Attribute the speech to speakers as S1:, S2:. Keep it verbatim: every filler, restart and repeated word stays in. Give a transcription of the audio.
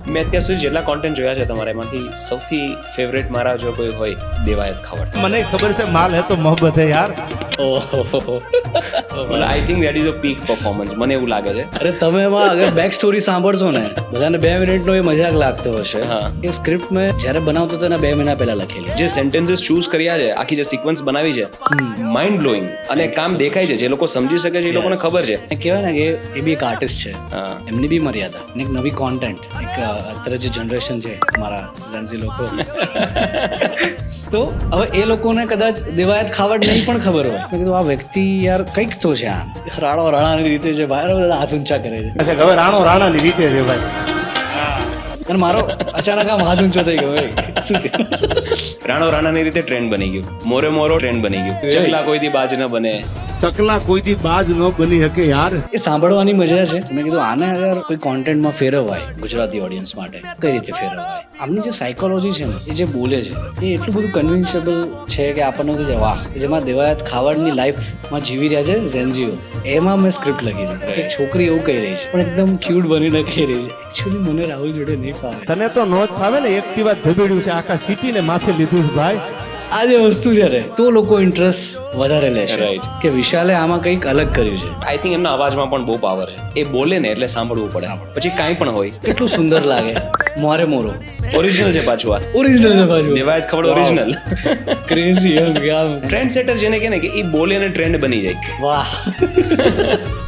S1: મેં અત્યાર સુધી જેટલા કોન્ટેન્ટ જોયા છે તમારા એમાંથી સૌથી ફેવરેટ મારા જો કોઈ હોય દેવાયત ખાવડ.
S2: મને ખબર છે માલ હે તો મોહબ્બત હે યાર.
S1: I think that is a peak performance, મને એવું લાગે છે.
S3: અરે તમે એમાં અગર બેક સ્ટોરી સાંભળશો ને, બધાને બે મિનિટનો એ મજાક લાગતો હશે.
S1: હા.
S3: એ સ્ક્રિપ્ટ મેં જ્યારે બનાવતો હતો ને બે મહિના પહેલા લખેલી.
S1: જે સેન્ટેન્સીસ ચૂઝ કર્યા છે, આખી જે સિક્વન્સ બનાવી છે, માઇન્ડ બ્લોઈંગ. અને કામ દેખાય છે, જે લોકો સમજી શકે છે એ લોકોને ખબર છે.
S3: કહેવાય ને કે એ બી એક આર્ટિસ્ટ છે,
S1: હા.
S3: એમની બી મર્યાદા અને એક નવી કોન્ટેન્ટ. એક અત્યારે જે જનરેશન છે મારા ઝેન્ઝી લોકો, તો હવે એ લોકોને કદાચ દેવાયત ખાવડ નહીં પણ ખબર હોય. મેં કીધું આ વ્યક્તિ યાર કંઈક તો છે, આમ રાણો રાણાની રીતે છે, બહાર બધા હાથ ઊંચા કરે છે.
S2: અચ્છા હવે રાણો રાણાની રીતે છે ભાઈ.
S3: અને મારો અચાનક આમ હાથ ઊંચો થઈ ગયો. ભાઈ શું કે
S1: રાણો રાણાની રીતે ટ્રેન્ડ બની ગયું, મોરે મોરો ટ્રેન્ડ બની ગયું. ચકલા કોઈથી બાજ ન બને.
S2: ચકલા કોઈથી બાજ ન બની શકે યાર.
S3: એ સાંભળવાની મજા છે. મેં કીધું આને યાર કોઈ કોન્ટેન્ટમાં ફેરવાય ગુજરાતી ઓડિયન્સ માટે, કઈ રીતે ફેરવાય. આમની જે સાયકોલોજી છે ને, એ જે બોલે છે એ એટલું બધું કન્વિન્સેબલ છે કે આપણને તો વાહ, જેમાં દેવાયત ખાવડની લાઈફમાં જીવી રહ્યા છે ઝેન્ઝીઓ, એમાં મેં સ્ક્રિપ્ટ લખી હતી. એક છોકરી એવું કહી રહી છે પણ એકદમ ક્યુટ બનીને કહી રહી છે. એકચ્યુઅલી મને રાહુલ જોડે નહીં ફાવે.
S2: તને તો નો જ ફાવે ને, એક્ટિવા ધબેડ્યું છે, આખા સિટીને માથે લીધું છે ભાઈ.
S3: આ જે વસ્તુ છે ને, તો લોકો ઇન્ટરેસ્ટ વધારે લેશે
S1: Right.
S3: કે વિશાલે આમાં કંઈક અલગ કર્યું છે.
S1: આઈ થિંક એમના અવાજમાં પણ બહુ પાવર છે. એ બોલે ને એટલે સાંભળવું પડે, પછી કાંઈ પણ હોય.
S3: કેટલું સુંદર લાગે. મોરે મોરો
S1: ઓરિજિનલ છે પાછું આ.
S3: ઓરિજિનલ છે પાછું.
S1: દેવાયત ખવડ ઓરિજિનલ.
S3: ક્રેઝી એમ કે આમ
S1: ટ્રેન્ડ સેટર જેને કે ને કે એ બોલે અને ટ્રેન્ડ બની જાય.
S3: વાહ.